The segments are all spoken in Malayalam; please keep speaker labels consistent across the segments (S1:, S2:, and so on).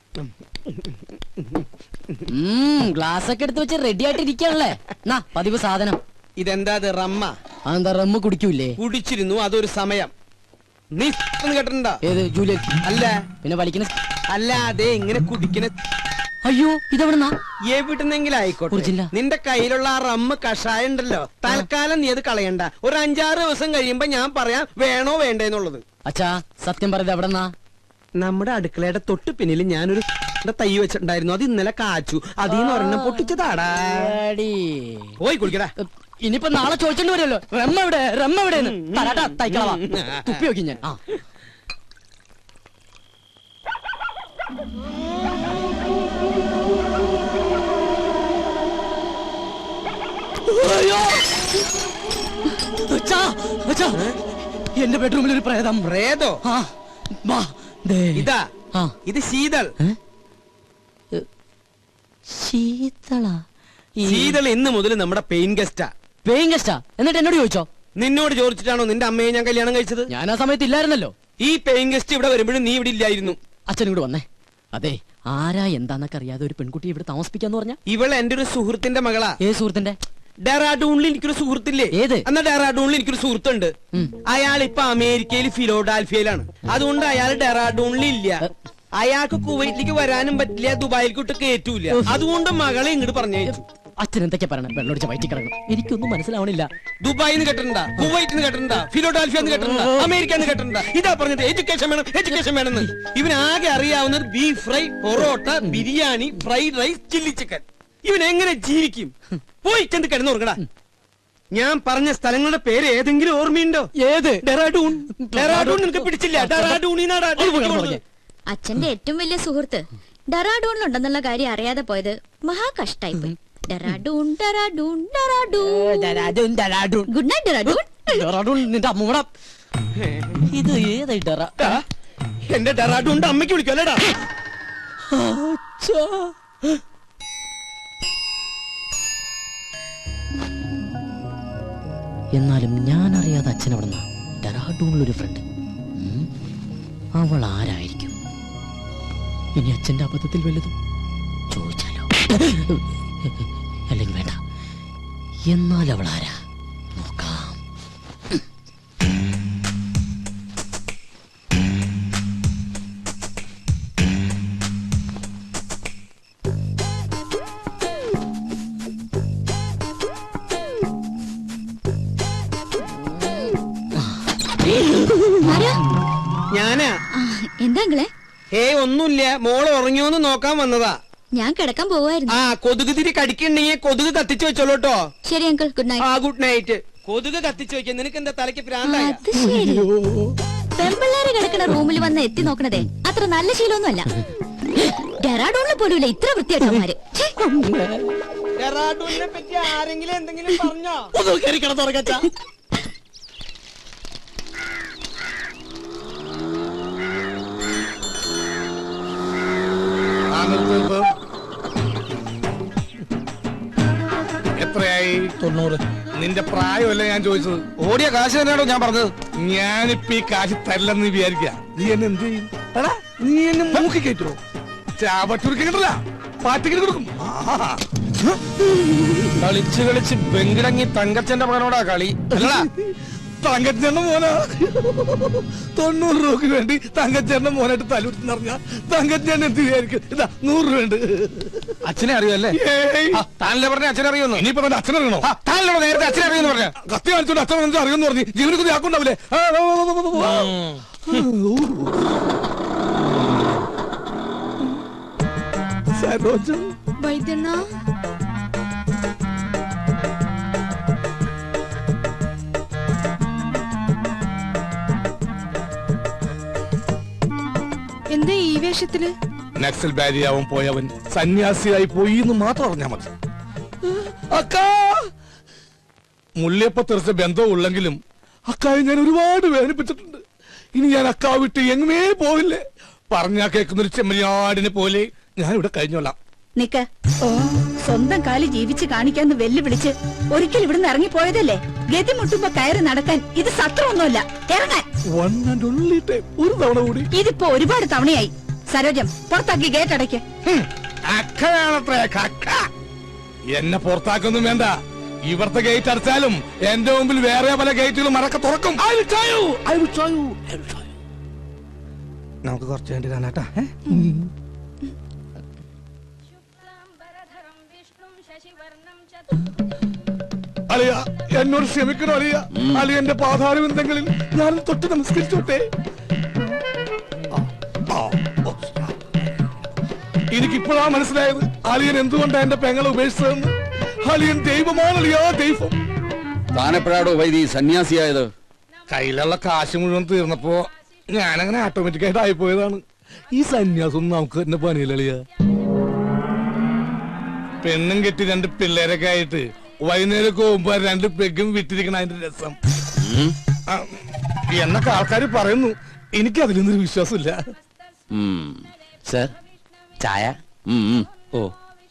S1: ഗ്ലാസ് ഒക്കെ എടുത്ത് വെച്ച് റെഡി ആയിട്ട് ഇരിക്കാണല്ലേ? പതിവ് സാധനം.
S2: ഇതെന്താ റമ്മ?
S1: അതെന്താ റമ്മ് കുടിക്കൂലേ?
S2: കുടിച്ചിരുന്നു, അതൊരു സമയം. നീ കേട്ടിട്ടുണ്ടോ?
S1: ഏത് ജൂലൈ?
S2: അല്ല.
S1: പിന്നെ വലിക്കുന്ന?
S2: അല്ല, അതെ ഇങ്ങനെ കുടിക്കുന്ന.
S1: അയ്യോ, ഇതെവിടുന്നാ?
S2: എവിടുന്നെങ്കിലും ആയിക്കോട്ടെ. നിന്റെ കയ്യിലുള്ള ആ റമ്മ് കഷായം ഉണ്ടല്ലോ, തൽക്കാലം നീ അത് കളയണ്ട. ഒരു 5-6 ദിവസം കഴിയുമ്പോ ഞാൻ പറയാം വേണോ വേണ്ടേന്നുള്ളത്.
S1: അച്ഛാ സത്യം പറയുന്നത് എവിടെന്നാ?
S2: നമ്മുടെ അടുക്കളയുടെ തൊട്ട് പിന്നിൽ ഞാനൊരു തൈ വെച്ചിട്ടുണ്ടായിരുന്നു. അത് ഇന്നലെ കാച്ചു. അതീന്ന് ഒരെണ്ണം പൊട്ടിച്ചതാടാ. പോയി കുടിക്കടാ.
S1: ഇനിയിപ്പോ നാളെ ചോദിച്ചോണ്ട് വരുമല്ലോ, റമ്മ എവിടെ, റമ്മ എവിടെയെന്ന്. തരാട്ടാ തൈക്കളവാ. തുപ്പി നോക്കി ഞാൻ. എന്റെ ബെഡ്റൂമിൽ ഒരു പ്രേതം.
S2: പ്രേതോ? ഇതാ, ഇത് ശീതൾ. ശീതൾ ഇന്ന് മുതൽ നമ്മുടെ പെയിൻ ഗസ്റ്റാ.
S1: പെയിൻ ഗസ്റ്റാ? എന്നിട്ട് എന്നോട് ചോദിച്ചോ?
S2: നിന്നോട് ചോദിച്ചിട്ടാണോ നിന്റെ അമ്മയെ ഞാൻ കല്യാണം കഴിച്ചത്?
S1: ഞാൻ ആ സമയത്ത് ഇല്ലായിരുന്നല്ലോ.
S2: ഈ പെയിൻ ഗസ്റ്റ് ഇവിടെ വരുമ്പോഴും നീ ഇവിടെ ഇല്ലായിരുന്നു.
S1: അച്ഛനും കൂടെ വന്നേ. അതെ, ആരാ എന്താന്നൊക്കെ അറിയാതെ ഒരു പെൺകുട്ടി ഇവിടെ താമസിപ്പിക്കാന്ന് പറഞ്ഞ?
S2: ഇവൾ എന്റെ ഒരു സുഹൃത്തിന്റെ മകളാ.
S1: ഏത് സുഹൃത്തിന്റെ?
S2: ഡെറാഡൂണിൽ എനിക്കൊരു സുഹൃത്തില്ലേ?
S1: ഏത്?
S2: എന്നാ ഡെറാഡൂണിൽ എനിക്കൊരു സുഹൃത്തുണ്ട്. അയാൾ ഇപ്പൊ അമേരിക്കയിൽ ഫിലോഡാൽഫിയയിലാണ്. അതുകൊണ്ട് അയാൾ ഡെറാഡൂണിൽ ഇല്ല. അയാൾക്ക് കുവൈറ്റിലേക്ക് വരാനും പറ്റില്ല, ദുബായിൽക്കോട്ട് കയറ്റൂല. അതുകൊണ്ട് മകളെ ഇങ്ങോട്ട് പറഞ്ഞയച്ചു.
S1: അച്ഛൻ എന്തൊക്കെ പറയണം? വെള്ളമൊടിച്ച വയറ്റി കിടക്കണം. എനിക്കൊന്നും മനസ്സിലാവണില്ല.
S2: ദുബായിന്ന് കേട്ടിട്ടുണ്ടാ, കുവൈറ്റിന്ന് കേട്ടിട്ടുണ്ടാ, ഫിലോഡാൽഫിയെന്ന് കേട്ടിട്ടുണ്ടാ, അമേരിക്കന്ന് കേട്ടിട്ടുണ്ടാ? ഇതാ പറഞ്ഞത് എഡ്യൂക്കേഷൻ വേണം, എഡ്യൂക്കേഷൻ വേണമെന്ന്. ഇവനാകെ അറിയാവുന്നത് beef fry, parotta, biryani, fried rice, chilli chicken. ഇവൻ എങ്ങനെ ജീവിക്കും? പോയി ചെന്ന് കിടന്നുറങ്ങടാ. ഞാൻ പറഞ്ഞ സ്ഥലങ്ങളുടെ പേര് ഏതെങ്കിലും ഓർമ്മയുണ്ടോ?
S1: ഏത്?
S2: ഡെറാഡൂൺ. ഡെറാഡൂൺ നിനക്ക് പിടിച്ചില്ല? ഡെറാഡൂണിനാടാ.
S3: അച്ഛന്റെ ഏറ്റവും വലിയ സുഹൃത്ത് ഡെറാഡൂണിലുണ്ടെന്നുള്ള കാര്യം അറിയാതെ പോയത് മഹാ കഷ്ടായിപ്പോയി. ഡെറാഡൂൺ, ഡെറാഡൂൺ, ഡെറാഡൂൺ. Good night Dehradun.
S1: ഡെറാഡൂൺ നിന്റെ അമ്മൂട. ഇത് ഏതായി ഡെറാ?
S2: എന്റെ ഡെറാഡൂണിന്റെ അമ്മയ്ക്ക് വിളിക്കല്ലേടാ.
S1: എന്നാലും ഞാൻ അറിയാതെ അച്ഛൻ അവിടുന്ന് ഡെറാഡൂണിലൊരു ഫ്രണ്ട്. അവൾ ആരായിരിക്കും? ഇനി അച്ഛന്റെ അബദ്ധത്തിൽ വല്ലതും ചോദിച്ചാലോ? അല്ലെങ്കിൽ വേണ്ട. എന്നാൽ അവൾ ആരാ നോക്കാം.
S2: ഞാനാ.
S3: എന്താ അങ്കിളെ?
S2: ഒന്നുമില്ല, മോള് ഉറങ്ങിയോന്ന് നോക്കാൻ വന്നതാ.
S3: ഞാൻ കിടക്കാൻ പോവായിരുന്നു.
S2: കൊതുക് തിരി കടിക്കണ്ടെങ്കിൽ കൊതുക് കത്തിച്ചു വെച്ചോളൂട്ടോ.
S3: ശരി uncle, good night.
S2: Good night. കൊതുക് കത്തിച്ചു വെക്കാൻ നിനക്ക് എന്താ തലയ്ക്ക് പ്രാന്തായ?
S3: പെമ്പിള്ളേര് കിടക്കുന്ന റൂമിൽ വന്ന് എത്തി നോക്കണതേ അത്ര നല്ല ശീലമൊന്നുമല്ല. ഡെറാഡൂണിൽ പോലും ഇത്ര വൃത്തിയായിട്ടവന്മാര്.
S2: ഡെറാഡൂണിനെ പറ്റി ആരെങ്കിലും എന്തെങ്കിലും പറഞ്ഞോ?
S4: എത്രയായി? 90. നിന്റെ പ്രായമല്ല ഞാൻ ചോദിച്ചത്.
S2: ഓടിയ കാശ് തന്നെയാണോ ഞാൻ പറഞ്ഞത്?
S4: ഞാനിപ്പ ഈ കാശ് തരില്ലെന്ന് വിചാരിക്കുക. നീ എന്നെ എന്ത് ചെയ്യും? നീ എന്നെ മൂക്കി കയറ്റുമോ? ചാപട്ടുരുക്കില്ല, പാറ്റിക്കിട്ട് കൊടുക്കും.
S2: കളിച്ച് കളിച്ച് ബെങ്കിടങ്ങി തങ്കച്ചന്റെ മകനോടാ കളി.
S4: തങ്കച്ചേട്ടന്റെ മോനാ. 90 രൂപക്ക് വേണ്ടി തങ്കച്ചേട്ടന്റെ മോനായിട്ട് തലൂർന്ന് പറഞ്ഞ തങ്കച്ചേട്ടൻ എന്ത് വിചാരിക്കും? ഇതാ 100 രൂപ.
S2: അച്ഛനെ അറിയുമല്ലേ? താനല്ലേ പറഞ്ഞ അച്ഛനെ അറിയുന്നു.
S4: ഇനിയിപ്പോ അച്ഛനറിയണോ?
S2: താനല്ലോ നേരത്തെ അച്ഛനെ അറിയുമെന്ന് പറഞ്ഞ.
S4: കത്തി കാണിച്ചോണ്ട് അച്ഛൻ അറിയുമെന്ന് പറഞ്ഞു. ജീവനക്കുതി ആക്കുണ്ടാവില്ലേ?
S3: വൈദ്യണ്ണ,
S5: എന്താ ഈ വേഷത്തില്?
S4: നക്സൽ ബാരിയാവും പോയവൻ സന്യാസിയായി പോയി എന്ന് മാത്രം അറിഞ്ഞാൽ മതി. അക്കാ മുല്ലയപ്പ തെറിച്ച ബന്ധമുള്ളെങ്കിലും അക്കായെ ഞാൻ ഒരുപാട് വേദനിപ്പിച്ചിട്ടുണ്ട്. ഇനി ഞാൻ അക്കാ വിട്ട് എങ്ങനേ പോവില്ലേ. പറഞ്ഞാ കേൾക്കുന്നൊരു ചെമ്മരിയാടിനെ പോലെ ഞാൻ ഇവിടെ കഴിഞ്ഞോളാം.
S5: നിക്ക, സ്വന്തം കാലി ജീവിച്ച് കാണിക്കാന്ന് വെല്ലുവിളിച്ച് ഒരിക്കൽ ഇവിടുന്ന് ഇറങ്ങിപ്പോയതല്ലേ? ഗതി മുട്ടുമ്പോ കയറി നടക്കാൻ ഇത് സത്രമൊന്നുമല്ല. ഇറങ്ങാൻ
S4: ഒരു തവണ കൂടി.
S5: ഇതിപ്പോ ഒരുപാട് തവണയായി. സരോജം പുറത്താക്കി ഗേറ്റ് അടയ്ക്ക്.
S4: അക്കയാണത്രേ കക്ക. എന്നെ പുറത്താക്കൊന്നും വേണ്ട. ഇവിടുത്തെ ഗേറ്റ് അടച്ചാലും എന്റെ മുമ്പിൽ വേറെ പല ഗേറ്റുകളും മറക്ക തുറക്കും. നമുക്ക് കുറച്ച് വേണ്ടി കാണാട്ടാ. അളിയ എന്നോട് ക്ഷമിക്കണോ അളിയ? അളിയന്റെ പാതാരവിന്ദങ്ങളിൽ ഞാൻ തൊട്ട് നമസ്കരിച്ചോട്ടെ. എനിക്കിപ്പോഴാ മനസ്സിലായത് അളിയൻ എന്തുകൊണ്ടാ എന്റെ പെങ്ങളെ ഉപേക്ഷിച്ചതെന്ന്. അളിയൻ ദൈവമാണ് അളിയാ, ദൈവം.
S6: താനെപ്പോഴാടോ വൈദി സന്യാസിയായത്?
S4: കയ്യിലുള്ള കാശ് മുഴുവൻ തീർന്നപ്പോ ഞാനങ്ങനെ ഓട്ടോമാറ്റിക്കായിട്ട് ആയിപ്പോയതാണ്. ഈ സന്യാസം നമുക്ക് തന്നെ പണിയില്ല അളിയ. പെണ്ണും കെട്ടി 2 പിള്ളേരൊക്കെ ആയിട്ട് വൈകുന്നേരം പോകുമ്പോ 2 പെഗും വിറ്റിരിക്കണ അതിന്റെ രസം എന്നൊക്കെ ആൾക്കാർ പറയുന്നു. എനിക്ക് അതിലൊന്നൊരു വിശ്വാസമില്ല.
S6: സർ ചായ. ഓ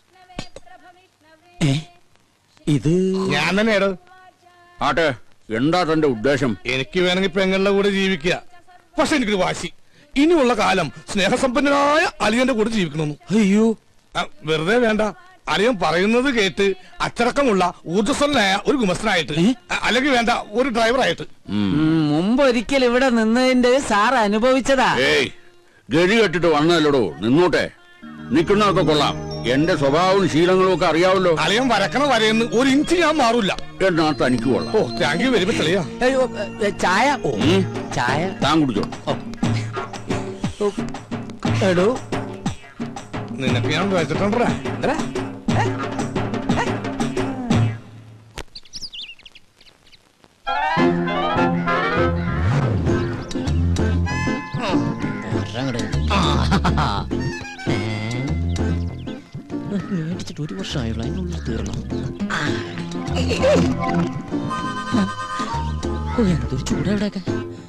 S6: ഇത്
S4: ഞാൻ തന്നെയാടോ.
S6: ആട്ടെ, എന്താ തന്റെ ഉദ്ദേശം?
S4: എനിക്ക് വേണമെങ്കിൽ പെങ്ങളുടെ കൂടെ ജീവിക്കുക. പക്ഷെ എനിക്കൊരു വാശി, ഇനിയുള്ള കാലം സ്നേഹസമ്പന്നനായ അളിയന്റെ കൂടെ ജീവിക്കണമെന്ന്.
S6: അയ്യോ,
S4: വെറുതെ വേണ്ട. അളിയൻ പറയുന്നത് കേട്ട് അച്ചടക്കമുള്ള ഊർജ്ജസ്വലനായ ഒരു ഗുമസ്തനായിട്ട്, അല്ലെങ്കിൽ വേണ്ട ഒരു ഡ്രൈവറായിട്ട്.
S7: മുമ്പ് ഒരിക്കൽ ഇവിടെ നിന്നതിന്റെ സാർ അനുഭവിച്ചതാ.
S6: ഏയ്, ഗതി കെട്ടിട്ട് വന്നല്ലോടോ, നിന്നോട്ടെ. നിക്കുന്നതൊക്കെ കൊള്ളാം. എന്റെ സ്വഭാവവും ശീലങ്ങളും ഒക്കെ അറിയാവല്ലോ.
S4: അളിയൻ വരക്കണ വരയെന്ന് 1 ഇഞ്ച് ഞാൻ മാറൂല.
S6: എന്നാ തനിക്ക് കൊള്ളാം.
S4: ഓ, താങ്ക് യു വെരി മച്ച് അളിയാ.
S7: അയ്യോ, ചായ. ഓ ചായ
S6: താൻ കുടിച്ചോ.
S7: എടോ,
S4: നിനക്ക് ഞാൻ വെച്ചിട്ടുണ്ടാ.
S1: മേടിച്ചിട്ട് 1 വർഷമായുള്ള അതിനുള്ളിൽ തീർന്നു. എന്തൊരു ചൂടാ ഇവിടെയൊക്കെ.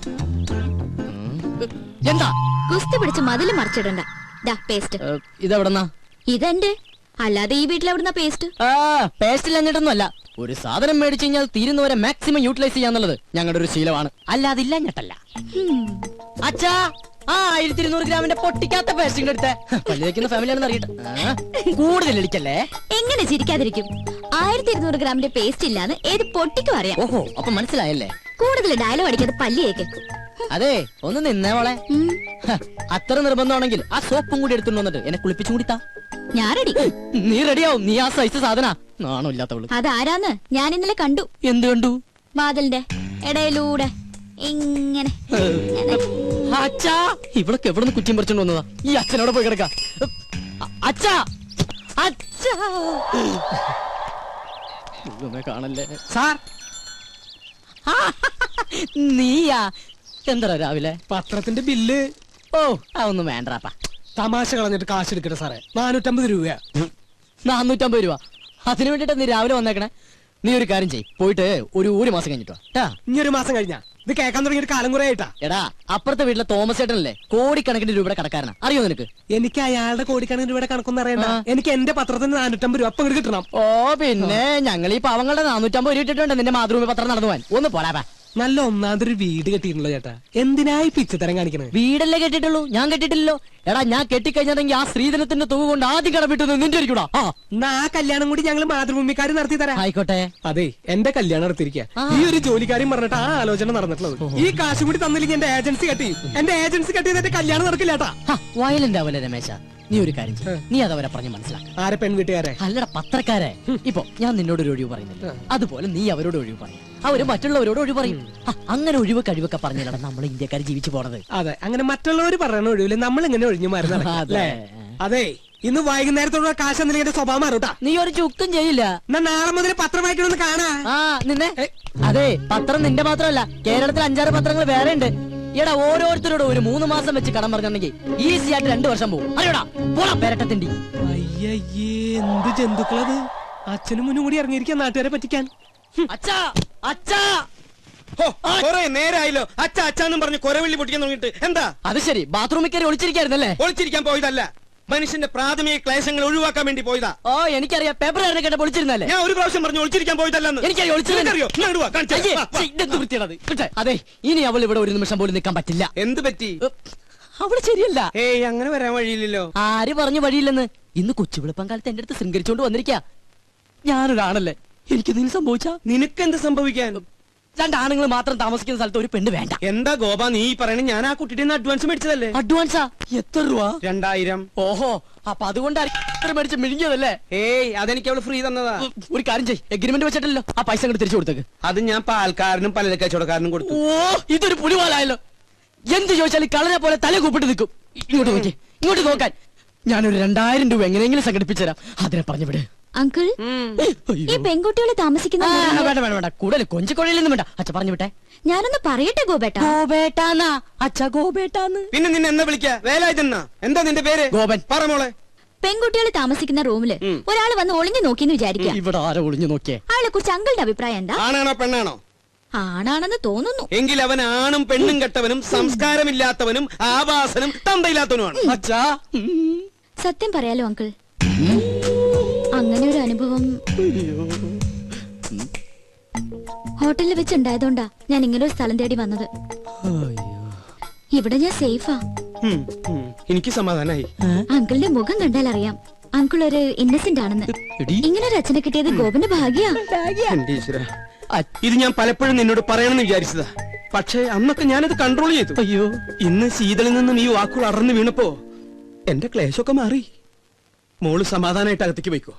S1: എന്താ
S3: കുസ്തി പിടിച്ച് മതില് മറിച്ചിടണ്ട. ദാ പേസ്റ്റ്.
S1: ഇതെവിടെന്നാ?
S3: ഇതെന്റെ. അല്ലാതെ ഈ വീട്ടിലെവിടുന്ന പേസ്റ്റ്?
S1: പേസ്റ്റിൽ എന്നിട്ടൊന്നുമല്ല. ഒരു സാധനം മേടിച്ചു കഴിഞ്ഞാൽ തീരുന്നവരെ മാക്സിമം യൂട്ടിലൈസ് ചെയ്യാന്നുള്ളത് ഞങ്ങളുടെ ഒരു ശീലമാണ്. അല്ലാതെ ഇല്ല ഞെട്ടല്ല. അച്ഛാ, 1200 ഗ്രാമിന്റെ പൊട്ടിക്കാത്ത പേസ്റ്റിംഗ് എടുത്തേ. പല്ല് വെക്കുന്ന ഫാമിലിയാണെന്ന് അറിയട്ടെ. കൂടുതൽ ഇടിക്കല്ലേ.
S3: എങ്ങനെ ചിരിക്കാതിരിക്കും? 1200 ഗ്രാമിന്റെ പേസ്റ്റ് ഇല്ലാന്ന് ഏത് പൊട്ടിക്കും അറിയാം.
S1: ഓഹോ, അപ്പൊ മനസ്സിലായല്ലേ.
S3: കൂടുതൽ ഡയലോഗ് അടിക്കാതെ പല്ലിയേക്ക്.
S1: അതെ, ഒന്ന് നിന്നേ മോളെ. അത്ര നിർബന്ധമാണെങ്കിൽ ആ സോപ്പും കൂടി എടുത്തുകൊണ്ട് വന്നിട്ട് എന്നെ കുളിപ്പിച്ചും കൂടി താ.
S3: ഞാൻ റെഡി.
S1: നീ റെഡിയാവും. നീ ആ സൈസ് സാധന. നാണോ ഇല്ലാത്തവള്.
S3: അതാരാന്ന് ഞാൻ ഇന്നലെ കണ്ടു.
S1: എന്ത് കണ്ടു?
S3: വാതിലിന്റെ ഇടയിലൂടെ ഇങ്ങനെ.
S1: അച്ഛാ, ഇവളൊക്കെ എവിടെ നിന്ന് കുറ്റിയും പറിച്ചോണ്ട് വന്നതാ? ഈ അച്ഛനോടെ പോയി കിടക്ക. അച്ഛാ, അച്ഛാ, കാണല്ലേ
S2: സാർ.
S1: നീയാ? എന്താ രാവിലെ
S2: പത്രത്തിന്റെ ബില്ല്.
S1: ഓ, അതൊന്നും വേണ്ടാപ്പാ.
S2: തമാശ കളഞ്ഞിട്ട് കാശ് എടുക്കട്ടെ സാറേ. 450 രൂപയാ.
S1: 450 രൂപ. അതിനു വേണ്ടിട്ടാ നീ രാവിലെ വന്നേക്കണേ. നീ ഒരു കാര്യം ചെയ്യ്, പോയിട്ട് ഒരു മാസം കഴിഞ്ഞിട്ടോ.
S2: ഇനി 1 മാസം കഴിഞ്ഞാ ഇത് കേൾക്കാൻ തുടങ്ങിയിട്ട് കാലം കുറെ ആയിട്ടാ.
S1: എടാ, അപ്പുറത്തെ വീട്ടിലെ തോമസ് ചേട്ടനല്ലേ കോടിക്കണക്കിന് രൂപയുടെ കടക്കാരനാ. അറിയോ നിനക്ക്?
S2: എനിക്ക് അയാളുടെ കോടിക്കണക്കിന് രൂപയുടെ കണക്കൊന്നും അറിയണ്ട. എനിക്ക് എന്റെ പത്രത്തിന് 450 രൂപ അപ്പം കിട്ടണം.
S1: ഓ, പിന്നെ ഞങ്ങൾ ഈ പാവങ്ങളുടെ 450 രൂപ ഇട്ടിട്ടുണ്ട് നിന്റെ മാതൃഭൂമി പത്രം നടന്നു പോവാൻ. ഒന്ന് പോടാ.
S2: നല്ല ഒന്നാമതൊരു വീട് കെട്ടിയിട്ടുണ്ടോ ചേട്ടാ? എന്തിനായി പിച്ചത്തരം കാണിക്കണേ?
S1: വീടല്ലേ കെട്ടിട്ടുള്ളൂ, ഞാൻ കെട്ടിട്ടില്ലല്ലോ. എടാ, ഞാൻ കെട്ടിക്കഴിഞ്ഞാണെങ്കിൽ ആ സ്ത്രീധനത്തിന്റെ തുക കൊണ്ട് ആദ്യം കടമിട്ടു നിന്റെ ഇരിക്കൂടാ.
S2: എന്നാ ആ കല്യാണം കൂടി ഞങ്ങൾ മാതൃഭൂമിക്കാർ നടത്തി തരാം.
S1: ആയിക്കോട്ടെ.
S2: അതെ, എന്റെ കല്യാണം നടത്തിയിരിക്കുക. ഈ ഒരു ജോലിക്കാരും പറഞ്ഞിട്ട് ആ ആലോചന നടന്നിട്ടുള്ളത്. ഈ കാശ് കൂടി തന്നില്ലെങ്കിൽ എന്റെ ഏജൻസി കെട്ടി. എന്റെ ഏജൻസി കെട്ടിയത് എന്റെ കല്യാണം നടക്കില്ലാട്ടാ.
S1: വയലന്റ് ആവല്ലേ രമേശ. നീ ഒരു കാര്യം ചെയ്യ്, നീ അതവരെ പറഞ്ഞ് മനസ്സിലാക്ക.
S2: ആരെ? പെൺവീട്ടുകാരെ?
S1: അല്ലട, പത്രക്കാരെ. ഇപ്പൊ ഞാൻ നിന്നോട് ഒരു ഒഴിവ് പറയുന്നില്ല, അതുപോലെ നീ അവരോട് ഒഴിവ് പറയും, അവര് മറ്റുള്ളവരോട് ഒഴിവ് പറയും. അങ്ങനെ ഒഴിവ് കഴിവൊക്കെ പറഞ്ഞില്ലടാ നമ്മൾ ഇന്ത്യക്കാർ ജീവിച്ചു പോണത്.
S2: അതെ, അങ്ങനെ മറ്റുള്ളവർ പറയുന്ന ഒഴിവില് നമ്മൾ ഇങ്ങനെ ഒഴിഞ്ഞു മാറി നടക്കാം. അതെ, ഇന്ന് വൈകുന്നേരത്തോടെ കാശ് എന്തെങ്കിലും എന്റെ സ്വഭാവം മാറൂട്ടാ.
S1: നീ ഒരു ചുക്കും ചെയ്യില്ല.
S2: എന്നാ നാളെ മുതൽ പത്രം വായിക്കണമെന്ന് കാണാ.
S1: നിന്നെ. അതെ, പത്രം നിന്റെ മാത്രമല്ല, കേരളത്തിൽ 5-6 പത്രങ്ങൾ വേറെ ഉണ്ട്. എടാ, ഓരോരുത്തരോട് ഒരു 3 മാസം വെച്ച് കടം പറഞ്ഞിട്ടുണ്ടെങ്കിൽ ഈസി ആയിട്ട് 2 വർഷം പോകും. അറിയോടാ, പോടാ പെരട്ടത്തിണ്ടി.
S2: അയ്യേ, എന്ത് ജന്തുക്കളത്! അച്ഛനും മുന്നും കൂടി ഇറങ്ങിയിരിക്കാൻ നാട്ടുകാരെ പറ്റിക്കാൻ.
S1: അച്ഛാ, അച്ഛാ,
S2: കൊറേ നേരായല്ലോ അച്ഛ അച്ഛാന്നും പറഞ്ഞ് കൊരവെള്ളി പൊട്ടിക്കാൻ തുടങ്ങിട്ട്. എന്താ
S1: അത്? ശരി, ബാത്റൂമിൽ കയറി ഒളിച്ചിരിക്കായിരുന്നല്ലേ?
S2: ഒളിച്ചിരിക്കാൻ പോയതല്ല, മനുഷ്യന്റെ പ്രാഥമിക ക്ലേശങ്ങൾ ഒഴിവാക്കാൻ വേണ്ടി പോയതാ.
S1: ഓ, എനിക്കറിയാം. പേപ്പർ കേട്ട പൊളിച്ചിരുന്നല്ലേ?
S2: ഞാൻ ഒരു പ്രാവശ്യം പറഞ്ഞു ഒളിച്ചിരിക്കാൻ പോയതല്ലെന്ന്.
S1: എനിക്കറിയോ വൃത്തിയാണത്. അതെ, ഇനി അവൾ ഇവിടെ ഒരു നിമിഷം പോലും നിൽക്കാൻ പറ്റില്ല.
S2: എന്ത് പറ്റി?
S1: അവള് ശരിയല്ല.
S2: ഏയ് അങ്ങനെ വരാൻ വഴിയില്ലല്ലോ.
S1: ആര് പറഞ്ഞു വഴിയില്ലെന്ന്? ഇന്ന് കൊച്ചുവിളപ്പം കാലത്ത് എന്റെ അടുത്ത് ശൃംഗരിച്ചോണ്ട് വന്നിരിക്കാ. ഞാനൊരാണല്ലേ, എനിക്കെന്തെങ്കിലും സംഭവിച്ചാ?
S2: നിനക്കെന്ത് സംഭവിക്കാൻ?
S1: രണ്ടാണുങ്ങൾ മാത്രം താമസിക്കുന്ന സ്ഥലത്ത് ഒരു പെണ്ണ് വേണ്ട.
S2: എന്താ ഗോപ നീ പറയണ? ഞാൻ ആ കുട്ടിയുടെ അഡ്വാൻസ് മേടിച്ചതല്ലേ?
S1: അഡ്വാൻസാ? എത്ര രൂപ?
S2: 2000.
S1: ഓഹോ, അപ്പൊ അതുകൊണ്ടാണ് മേടിച്ച് മിഴുങ്ങിയതല്ലേ?
S2: ഏയ് അതെനിക്ക് അവള് ഫ്രീ തന്നതാ.
S1: ഒരു കാര്യം ചെയ്യ്, എഗ്രിമെന്റ് വെച്ചിട്ടല്ലോ ആ പൈസ അങ്ങോട്ട് തിരിച്ചു കൊടുത്തേക്ക്.
S2: അത് ഞാൻ പാൽക്കാരനും പലചര കച്ചവടക്കാരനും കൊടുത്തു.
S1: ഓ, ഇതൊരു പുലിവാലായല്ലോ. എന്ത് ചോദിച്ചാലും കളനെ പോലെ തല കൂപ്പിട്ട് നിൽക്കും. ഇങ്ങോട്ട് നോക്കി, ഇങ്ങോട്ട് നോക്കാൻ. ഞാനൊരു 2000 രൂപ എങ്ങനെയെങ്കിലും സംഘടിപ്പിച്ചു തരാം. അതിനെ പറഞ്ഞു വിട്.
S3: അങ്കിൾ, ഈ പെൺകുട്ടികളെ താമസിക്കുന്ന മുറിയില്
S1: വേണ്ട വേണ്ട വേണ്ട, കൂടുതൽ കൊഞ്ചിക്കൊഴയിലൊന്നും വേണ്ട. അച്ഛ പറഞ്ഞു വിട്ടെ.
S3: ഞാനൊന്ന് പറയട്ടെ ഗോപേട്ടാ.
S1: ഗോപേട്ടാന്നാ അച്ഛ, ഗോപേട്ടാന്ന്.
S2: പിന്നെ നിന്നെ എന്താ വിളിക്കാ? വേലായുധന്നാ? എന്താ നിന്റെ പേര്?
S1: ഗോപൻ.
S2: പറ മോളെ.
S3: പെൺകുട്ടികൾ താമസിക്കുന്ന റൂമില് ഒരാള് വന്ന് ഒളിഞ്ഞു നോക്കിന്ന് വിചാരിക്കാം.
S1: ഇവിടെ ആരോ ഒളിഞ്ഞു നോക്കിയേ?
S3: അയാളെ കുറിച്ച് അങ്കിളുടെ അഭിപ്രായം എന്താ?
S2: ആണാണോ പെണ്ണാണോ?
S3: ആണാണെന്ന് തോന്നുന്നു.
S2: എങ്കിൽ അവൻ ആണും പെണ്ണും കെട്ടവനും സംസ്കാരമില്ലാത്തവനും ആവാസനും തന്തയില്ലാത്തവനുമാണ്.
S1: അച്ഛാ,
S3: സത്യം പറയാലോ അങ്കിൾ, അങ്ങനെ ഒരു അനുഭവം ഹോട്ടലിൽ വെച്ചുണ്ടായതുകൊണ്ടാ ഞാൻ ഇങ്ങനെ ഒരു സ്ഥലം തേടി വന്നത്. ഇവിടെ ഞാൻ സേഫാ.
S2: എനിക്ക് സമാധാനായി.
S3: അങ്കിളിന്റെ മുഖം കണ്ടാൽ അറിയാം അങ്കിൾ ഒരു ഇന്നസെന്റ് ആണെന്ന്. ഇങ്ങനെ ഒരു അച്ഛനെ കിട്ടിയത് ഗോപന്റെ ഭാഗ്യാ.
S2: എന്റെ ഈശ്വരാ, ഇത് ഞാൻ പലപ്പോഴും നിന്നോട് പറയണമെന്ന് വിചാരിച്ചതാ. പക്ഷേ അന്നൊക്കെ ഞാനത് കൺട്രോൾ ചെയ്തു.
S1: അയ്യോ,
S2: ഇന്ന് ശീതളിൽ നിന്നും ഈ വാക്കുകൾ അടർന്നു വീണപ്പോ എന്റെ ക്ലേശമൊക്കെ മാറി. മോള് സമാധാനായിട്ട് അകത്തേക്ക് പോയിക്കോ.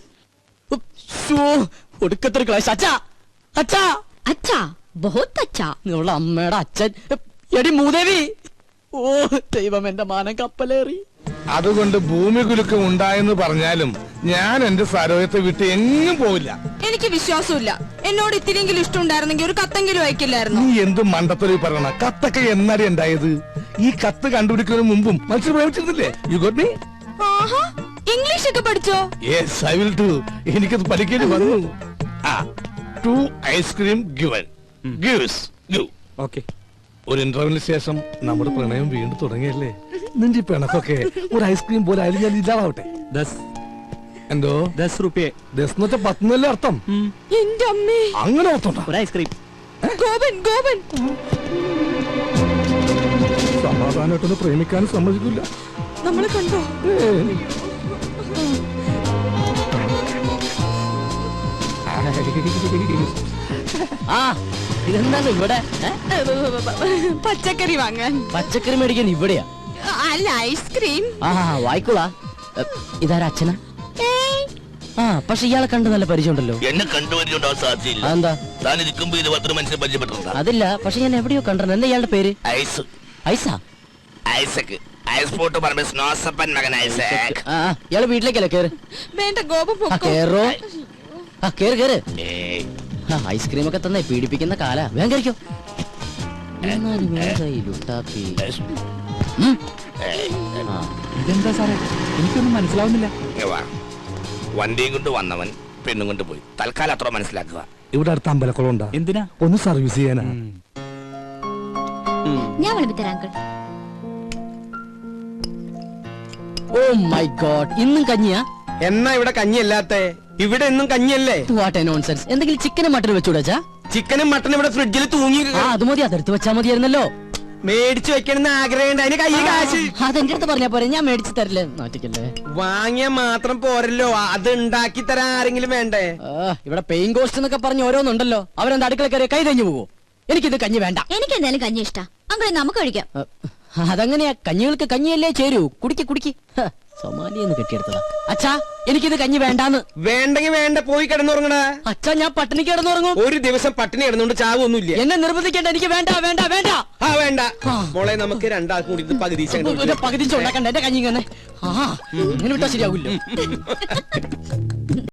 S1: ഒടുക്കത്തൊരു ക്ലാസ്. അച്ഛാ, അച്ഛാ,
S3: അച്ഛാ, ബഹുത്ത് അച്ഛാ.
S1: നിങ്ങളുടെ അമ്മയുടെ അച്ഛൻ. എടി മൂദേവി. ഓ ദൈവം, എന്റെ മാനം കപ്പലേറി.
S4: അതുകൊണ്ട് ഭൂമി കുലുക്കം ഉണ്ടായെന്ന് പറഞ്ഞാലും ഞാൻ എന്റെ സരോയത്തെ വിട്ട് എങ്ങും പോവില്ല.
S8: എനിക്ക് വിശ്വാസമില്ല. എന്നോട് ഇത്തിരിയെങ്കിലും ഇഷ്ടം ഉണ്ടായിരുന്നെങ്കിൽ ഒരു കത്തെങ്കിലും അയക്കില്ലായിരുന്നു.
S4: നീ എന്ത് മണ്ടത്തൊരു പറയണ? കത്തൊക്കെ എന്നാടി ഉണ്ടായത്? ഈ കത്ത് കണ്ടുപിടിക്കുന്നതിന് മുമ്പും മനുഷ്യർ പ്രേമിച്ചിരുന്നില്ലേ? You got me?
S8: ആഹാ, ഇംഗ്ലീഷ് ഒക്കെ പഠിച്ചോ?
S4: Yes, I will do. എനിക്കത് പഠിക്കേണ്ടി വന്നു. To ice cream given gives give.
S2: Okay.
S4: ഒരു ഇന്റർവ്യൂവിന് ശേഷം നമ്മുടെ പ്രണയം വീണ്ടും തുടങ്ങിയല്ലേ? നിന്റെ ഈ പിണക്കൊക്കെ ഒരു ഐസ്ക്രീം പോലെ ആയാലും ഞാൻ ഇല്ലാതാവട്ടെ. എന്തോ
S2: 10 രൂപ.
S4: 10 എന്ന് വെച്ചാൽ 10 എന്നല്ലേ അർത്ഥം?
S8: എന്റെ അമ്മേ,
S4: അങ്ങനെ അർത്ഥം.
S1: ഒരു ഐസ്ക്രീം.
S8: ഗോപൻ, ഗോപൻ.
S4: സമാധാനമായിട്ടൊന്ന് പ്രേമിക്കാനും സമ്മതിക്കില്ല.
S8: നമ്മളെ കണ്ടോ?
S1: ആ, ഇതെന്താണ് ഇവിടെ?
S8: പച്ചക്കറി വാങ്ങാൻ.
S1: പച്ചക്കറി മേടിക്കാൻ ഇവിടെയാ?
S8: അല്ല, ഐസ്ക്രീം.
S1: ആ, വായിക്കോളാ. ഇതാരാ അച്ഛനാ? ആ, പക്ഷെ ഇയാളെ കണ്ട് നല്ല പരിചയമുണ്ടല്ലോ.
S9: എന്നെ കണ്ടുപരിചയമുണ്ടാവാൻ സാധ്യതയില്ല.
S1: അതെന്താ?
S9: താൻ ഇരിക്കുമ്പോ 20 മനുഷ്യരെ പരിചയപ്പെട്ടിട്ടുണ്ടോ?
S1: അതില്ല, പക്ഷെ ഞാൻ എവിടെയോ കണ്ടിട്ടുണ്ട്. എന്താ ഇയാളുടെ പേര്?
S9: ഐസ്.
S1: ഐസാ?
S9: ഐസക്. ഐസ് പോട്ട് പറഞ്ഞ സ്നോസപ്പൻ മകൻ ഐസക്.
S1: ആ, ഇയാള് വീട്ടിലേക്കല്ലേ? കേറ്.
S8: വേണ്ട ഗോപൻ,
S1: ആ,
S8: പൊക്കോ.
S1: കേറോ. ആ, കേറ് കേറ്.
S9: ഏയ്.
S1: ഐസ്ക്രീം ഒക്കെ തന്നെ പീഡിപ്പിക്കുന്ന കാലാ. വേഗം കഴിക്കോ. എന്നാലും ഏതാ ഈ ലുട്ടാപ്പി?
S7: ഇതെന്താ സാറേ, എനിക്കൊന്നും മനസ്സിലാവുന്നില്ല.
S9: ഇങ്ങ് വാ. വണ്ടിയും കൊണ്ട് വന്നവൻ പെണ്ണും കൊണ്ട് പോയി. തൽക്കാലം അത്ര മനസ്സിലാക്കുക.
S4: ഇവിടെ അടുത്ത് അമ്പലക്കുളം ഉണ്ടാ?
S7: എന്തിനാ?
S4: ഒന്ന് സർവീസ് ചെയ്യാനാ.
S3: ഞാൻ വിളിപ്പിത്തരാം അങ്കിൾ.
S1: ഓ മൈ ഗോഡ്, ഇന്നും കഞ്ഞിയാ?
S2: എന്നാ ഇവിടെ കഞ്ഞിയല്ലാത്ത? ഇവിടെ എന്നും കഞ്ഞിയല്ലേ?
S1: What A nonsense. എന്തെങ്കിലും ചിക്കനും മട്ടനും വെച്ചുകൂടാ?
S2: ചിക്കനും മട്ടനും ഇവിടെ ഫ്രിഡ്ജിൽ തൂങ്ങി
S1: ആ, അത് മതി. അതെടുത്ത് വെച്ചാ മതിയായിരുന്നല്ലോ.
S2: മേടിച്ചു വെക്കണമെന്ന് ആഗ്രഹമുണ്ട്. അതിന് കയ്യിൽ കാശ്.
S1: അതെന്റെ അടുത്ത് പറഞ്ഞാ പോരെ, ഞാൻ മേടിച്ചു തരില്ലേ. നാട്ടിക്കല്ലേ.
S2: വാങ്ങിയ മാത്രം പോരല്ലോ, അത് ഉണ്ടാക്കി തരാൻ ആരെങ്കിലും വേണ്ടേ?
S1: ഇവിടെ പെയിൻ കോസ്റ്റ് എന്നൊക്കെ പറഞ്ഞ് ഓരോന്നുണ്ടല്ലോ. അവരെന്താ അടുക്കള കയറി കൈ തഞ്ഞു പോവോ? എനിക്കിത് കഞ്ഞി വേണ്ട.
S3: എനിക്ക് എന്തായാലും കഞ്ഞി ഇഷ്ടാ. അങ്കിളെ നമുക്ക് കഴിക്കാം.
S1: അതങ്ങനെയാ, കഞ്ഞികൾക്ക് കഞ്ഞിയല്ലേ ചേരൂ. കുടിക്ക് കുടിക്ക്. സൊമാലിയെന്ന് കെട്ടിയെടുത്തതാ. അച്ഛാ, എനിക്കിത് കഞ്ഞി വേണ്ടാന്ന്.
S2: വേണ്ടെങ്കിൽ വേണ്ട, പോയി കിടന്നുറങ്ങടാ.
S1: അച്ഛാ, ഞാൻ പട്ടിണി കിടന്നുറങ്ങും.
S2: ഒരു ദിവസം പട്ടിണി കിടന്നുകൊണ്ട് ചാവൊന്നുമില്ല.
S1: എന്നെ നിർബന്ധിക്കേണ്ട. എനിക്ക് വേണ്ട വേണ്ട വേണ്ട.
S2: ആ വേണ്ട മോളെ, നമുക്ക് രണ്ടാൾക്കും കൂടി ഇത് പകുതി
S1: പകുതി ഉണ്ടാക്കണ്ട. എന്റെ കഞ്ഞി ഇങ്ങനെ. ആ, ഇങ്ങനെ വിട്ടാ ശരിയാവില്ല.